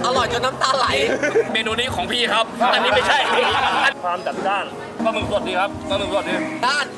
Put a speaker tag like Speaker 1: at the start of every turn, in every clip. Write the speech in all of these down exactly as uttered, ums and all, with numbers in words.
Speaker 1: อร่อยจนน้ำตาไหล
Speaker 2: เมนูนี้ของพี่ครับอันนี้ไม่ใช่
Speaker 3: ความจัดจ้านปลาหมึกสดดีครับปลาหมึกสดดี
Speaker 1: ด้าน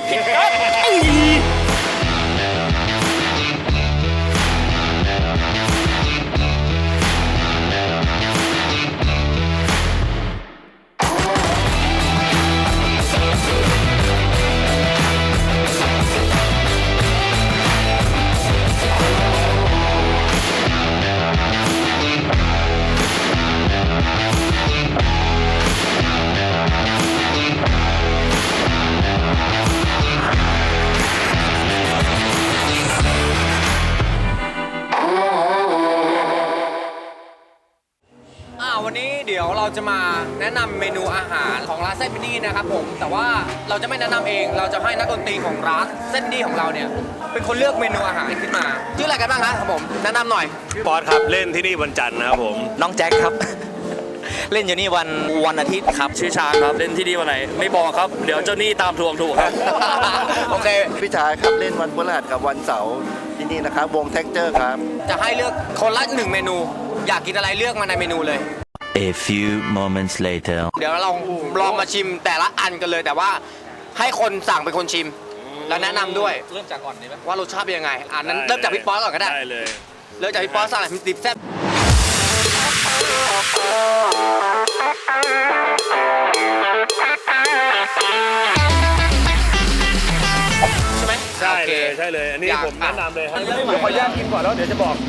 Speaker 1: วันนี้เดี๋ยวเราจะมาแนะนำเมนูอาหารของร้านเส้นพินีนะครับผมแต่ว่าเราจะไม่แนะนำเองเราจะให้นักดนตรีของร้านเส้นพินีของเราเนี่ยเป็นคนเลือกเมนูอาหารขึ้นมาชื่ออะไรกันบ้างครับผมแนะนำหน่อย
Speaker 3: ปอดครับเล่นที่นี่วันจันทร์นะครับผม
Speaker 1: น้องแจ็คครับ เล่นอยู่นี่วันวันอาทิตย์ครับ
Speaker 2: ชื่อชาครับเล่นที่นี่วันไหนไม่บอกครับเดี๋ยวเจ้าหนี้ตามทวงถูกครับ
Speaker 1: โอเค
Speaker 4: พี่ชายครับเล่นวันพฤหัสกับวันเสาร์ที่นี่นะครับวงเท็กเจอร์ครับ
Speaker 1: จะให้เลือกคนละหนึ่งเมนูอยากกินอะไรเลือกมาในเมนูเลย
Speaker 5: A few moments later
Speaker 1: เดี๋ยวเราลองมาชิมแต่ละอันกันเลยแต่ว่าให้คนสั่งเป็นคนชิมแล้วแนะนำด้วย
Speaker 2: เริ่มจากก่อนดีไหม
Speaker 1: ว่ารสชาติเป็นยังไงอ่านั้นเริ่มจากพี่ป๊อตก่อนก็ได้
Speaker 3: ได้เลย
Speaker 1: เริ่มจากพี่ป๊อตสั่งอะไรดิบแซ่บใช่ไหม
Speaker 3: ใช่เลยใช่เลยอันนี้ผมแนะนำเลยครับเดี๋ยวขออนุญาตกินก่อนแล้วเดี๋ยวจะบอก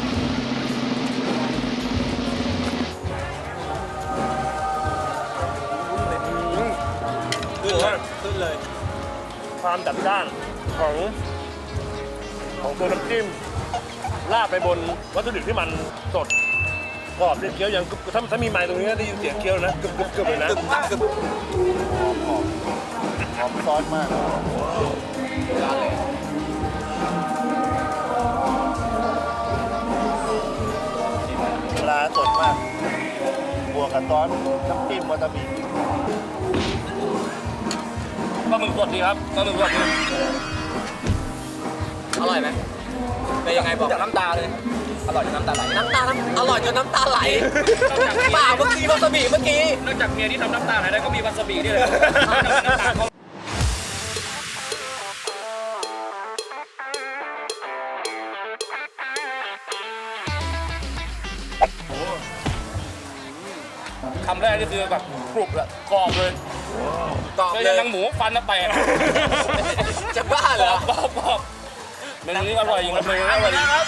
Speaker 1: ขึ้นเลย
Speaker 3: ความจัดจ้านของของตัวน้ำจิ้มราดไปบนวัตถุดิบที่มันสดกรอบเคี้ยวยังถ้าถ้ามีไม้ตรงนี้ได้ยินเสียงเคี้ยวนะกึบกึบกึบเลยนะ
Speaker 4: หอมซอสมากปลาสดมากบวกกับซอสน้ำจิ้มวาซาบิ
Speaker 3: ปลาหมึกสดดีครับปลาหมึกสดดี
Speaker 1: อร่อยไหมเป็นยังไงบอก
Speaker 2: จากน้ำตาเลยอร่อยจนน้ำตาไหล
Speaker 1: น้ำตาอร่อยจนน้ำตาไหลเปล่าเมื่อกี้วาซาบิเมื่อกี้
Speaker 2: นอกจากเมียที่ทำน้ำตาไหลได้ก็มีวาซาบินี่เลยน้ำตาเขาคำแรกนี่คือแบบกรุบเลยกรอบเลย
Speaker 1: กรอบเลย
Speaker 2: ยังหมูฟันนะแตก
Speaker 1: จะบ้าเหร
Speaker 2: อกรอบกรอบเมนูนี้อร่อยจริงๆเลยอร่อยครับ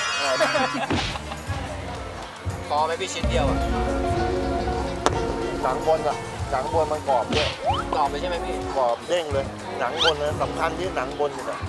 Speaker 1: พอไหมพี่ชิ้นเดียวอ่ะ
Speaker 4: หนังบนอ่ะหนังบนมันกรอบด้วย
Speaker 1: กรอบเลยใช่ไหมพี่
Speaker 4: กรอบเด้งเลยหนังบนนะสำคัญที่หนังบนนี่แหละ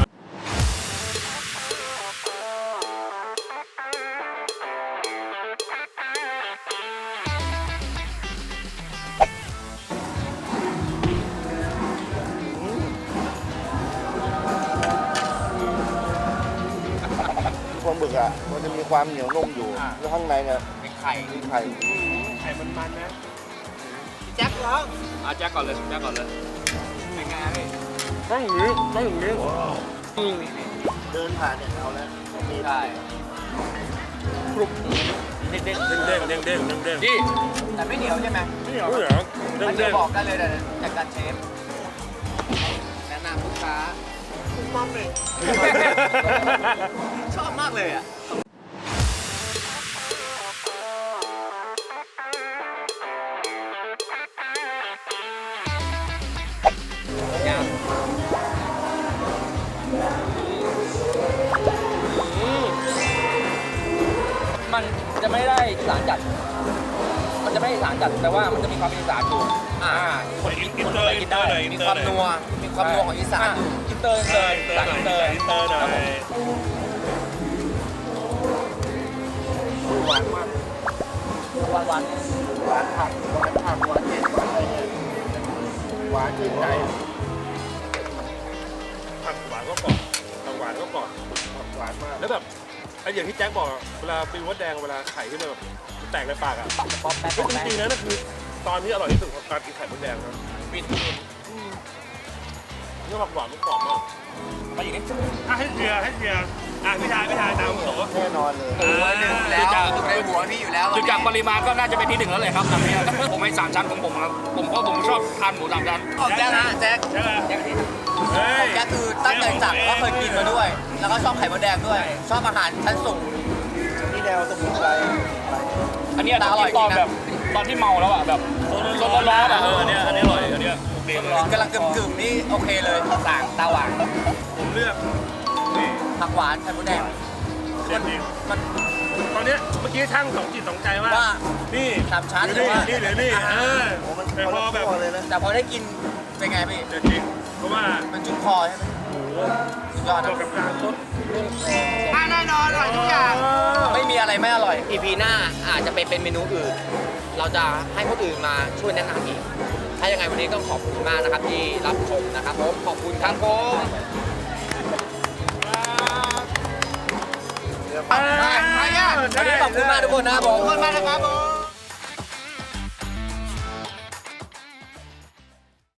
Speaker 4: ปลาหมึกอ่ะมันจะมีความเหนียวนุ่มอยู่แล้วข้างในเนี่ย
Speaker 1: มีไข่
Speaker 4: มีไข่
Speaker 3: ไข่มันมันนะ
Speaker 1: แจ็คร้อง
Speaker 2: อ่ะแจ็คก่อนเลยแจ็คก่อนเลย
Speaker 1: เป็นไงพี่
Speaker 3: ต้องอย่างนี้ต้องอย่างนี้
Speaker 4: เดินผ่านเนี่ยเอาแล้วมี
Speaker 1: ได้
Speaker 3: กรุบเด้งเด้งเด้งเด้งเด้งเด้งเด้ง
Speaker 1: นี่แต่ไม่เหนียวใช่ไหม
Speaker 3: ไม่เหนียวไม่เหนียวเด้ง
Speaker 1: เด้
Speaker 3: ง
Speaker 1: บอกได้เลยจากการเชฟแนะนำลูกค้าคุณมอมเลยชอบมากเลยอ่ะ
Speaker 2: มันจะไม่ได้อีสานจัดมันจะไม่ได้อีสานจัดแต่ว่ามันจะมีความอีสานอยู่
Speaker 1: อ่า
Speaker 3: คนอินเตอร์อินเตอร์หน่อย
Speaker 1: มีความนัวมีความนัวของอีสาน
Speaker 2: อินเตอร์เลยอินเตอร์อินเตอร์
Speaker 3: อินเตอร์หน่อย
Speaker 4: หวานมาก
Speaker 1: หวานหวาน
Speaker 4: หวานผักหวานผักหวานเย็นหวานอะไรเนี่ยหวานชื่นใจ
Speaker 3: ผักหวานก็กรอบผักหวานก็กรอบ
Speaker 4: หวานมาก
Speaker 3: แล้วแบบไอ้อย่างที่แจ็คบอกเวลาปีวัดแดงเวลาไข่ขึ้นมาแบบแตกในปากอ่ะ
Speaker 1: ป๊อปแป๊บ
Speaker 3: จริงๆนะนั่นคือตอนที่อร่อยที่สุดของการกินไข่มดแดงครับ
Speaker 1: วิน
Speaker 3: เนื้อผักหวานมันกรอบมาก
Speaker 2: ไปอีกนิด
Speaker 3: ให้เชียร์ให้เชียร์อ่ะพี่ชายพี่ชายตามผม
Speaker 4: แน่นอนเลย
Speaker 1: โอ้ยหนึ่งแล้วอยู่ในหัวพี่อยู่แล้ว
Speaker 2: จุดจากปริมาณก็น่าจะเป็นที่หนึ่งแล้วเลยครับตอนนี้ผมให้สามชั้นของผมครับผมเพราะผมชอบทานหมูสามชั้น
Speaker 1: ของแจ๊คนะแจ๊ค
Speaker 3: ใช่ไหม
Speaker 1: แจ๊ค
Speaker 3: เฮ้ย
Speaker 1: แจ๊คคือตั้งใจสั่งก็เคยกินมาด้วย แล้วก็ชอบไข่มดแดงด้วย ชอบอาหารชั้นสูง
Speaker 4: นี่แนวสมุนไพร
Speaker 2: อันเนี้ยต้องกินตอนแบบตอนที่เมาแล้วอ่ะแบบร้อนร้อนๆอ่ะ
Speaker 3: เอออันเนี้ยอันนี้อร่อยอันเนี้ยโอเคเลย
Speaker 1: กำลังกึ่มๆนี่โอเคเลยต่างตาหวาน
Speaker 3: ผมเลือกนี่
Speaker 1: ผักหวานไข่มดแดง
Speaker 3: เด็ดจริง
Speaker 1: มัน
Speaker 3: ตอนเนี้ยเมื่อกี้ช่างสองจิตสองใจว่า
Speaker 1: ว่า
Speaker 3: นี่
Speaker 1: สามชั้น
Speaker 3: หรือนี่
Speaker 1: หรือว่า
Speaker 3: นี่หรือนี่เออ
Speaker 4: โอ้มัน
Speaker 3: แต่
Speaker 4: คน
Speaker 3: พอ
Speaker 4: ละ
Speaker 3: แบบ
Speaker 4: ขั้วเลยนะ
Speaker 1: แต่พอได้กินเป็นไงพี่
Speaker 3: เด็ดจริงเพราะว่า
Speaker 1: มันจุกคอใช่ไหม
Speaker 3: โอ้โห
Speaker 1: สุดยอด
Speaker 3: เห
Speaker 1: นะ
Speaker 3: มาะกับการซด
Speaker 1: แน่นอนอร่อยทุกอย่าง ไม่มีอะไรไม่อร่อย อี พี หน้าอาจจะไปเป็นเมนูอื่น เราจะให้คนอื่นมาช่วยแนะนำอีก ถ้ายังไงวันนี้ต้องขอบคุณมากนะครับที่รับชมนะครับผม ขอบคุณครับผมวันนี้ขอบคุณมากทุกคนนะครับผมขอบคุณมากนะครับผม